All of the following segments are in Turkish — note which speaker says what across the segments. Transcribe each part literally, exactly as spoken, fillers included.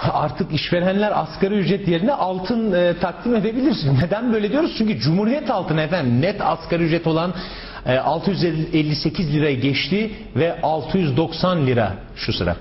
Speaker 1: artık işverenler asgari ücret yerine altın e, takdim edebilir. Neden böyle diyoruz? Çünkü Cumhuriyet altını efendim net asgari ücret olan e, altı yüz elli sekiz liraya geçti ve altı yüz doksan lira şu sıra.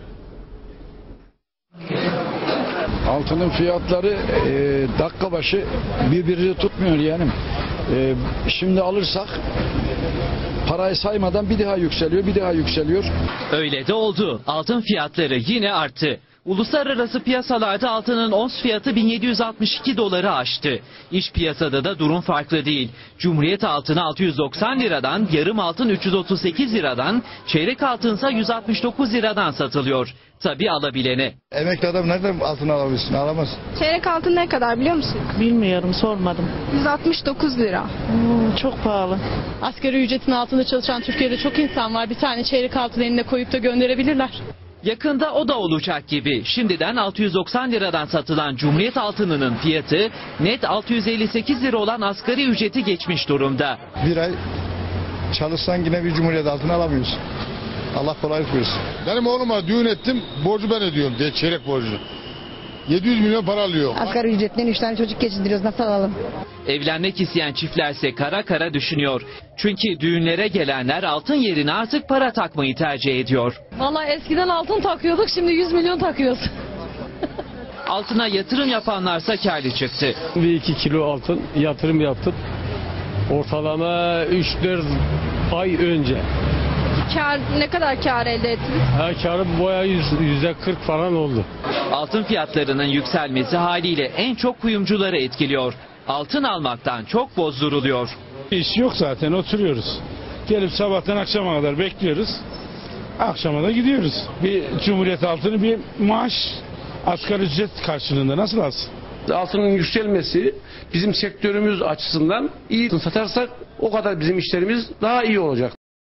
Speaker 2: Altının fiyatları e, dakika başı birbirini tutmuyor yani. E, şimdi alırsak parayı saymadan bir daha yükseliyor, bir daha yükseliyor.
Speaker 3: Öyle de oldu. Altın fiyatları yine arttı. Uluslararası piyasalarda altının ons fiyatı bin yedi yüz altmış iki doları aştı. İç piyasada da durum farklı değil. Cumhuriyet altını altı yüz doksan liradan, yarım altın üç yüz otuz sekiz liradan, çeyrek altınsa yüz altmış dokuz liradan satılıyor. Tabii alabilene.
Speaker 4: Emekli adam nereden altın alabilirsin? Alamaz.
Speaker 5: Çeyrek altın ne kadar biliyor musun?
Speaker 6: Bilmiyorum, sormadım.
Speaker 5: yüz altmış dokuz lira.
Speaker 6: Hmm, çok pahalı.
Speaker 7: Asgari ücretin altında çalışan Türkiye'de çok insan var. Bir tane çeyrek altın eline koyup da gönderebilirler.
Speaker 3: Yakında o da olacak gibi. Şimdiden altı yüz doksan liradan satılan Cumhuriyet altınının fiyatı net altı yüz elli sekiz lira olan asgari ücreti geçmiş durumda.
Speaker 4: Bir ay çalışsan yine bir Cumhuriyet altını alamıyorsun. Allah kolaylık versin.
Speaker 8: Benim oğluma düğün ettim, borcu ben ödüyorum diye, çeyrek borcunu. yedi yüz milyon para alıyor.
Speaker 9: Asgari ücretten üç tane çocuk geçindiriyoruz, nasıl alalım?
Speaker 3: Evlenmek isteyen çiftlerse kara kara düşünüyor. Çünkü düğünlere gelenler altın yerine artık para takmayı tercih ediyor.
Speaker 7: Vallahi eskiden altın takıyorduk, şimdi yüz milyon takıyoruz.
Speaker 3: Altına yatırım yapanlarsa kârlı çıktı.
Speaker 10: Bir iki kilo altın yatırım yaptım. Ortalama üç dört ay önce.
Speaker 5: Kar, ne kadar kar elde ettiniz?
Speaker 10: Ha, karı boya yüzde kırk falan oldu.
Speaker 3: Altın fiyatlarının yükselmesi haliyle en çok kuyumcuları etkiliyor. Altın almaktan çok bozduruluyor.
Speaker 11: İş yok zaten, oturuyoruz. Gelip sabahtan akşama kadar bekliyoruz. Akşama da gidiyoruz. Bir Cumhuriyet altını bir maaş asgari ücret karşılığında nasıl alsın?
Speaker 12: Altının yükselmesi bizim sektörümüz açısından iyi satarsak o kadar bizim işlerimiz daha iyi olacak.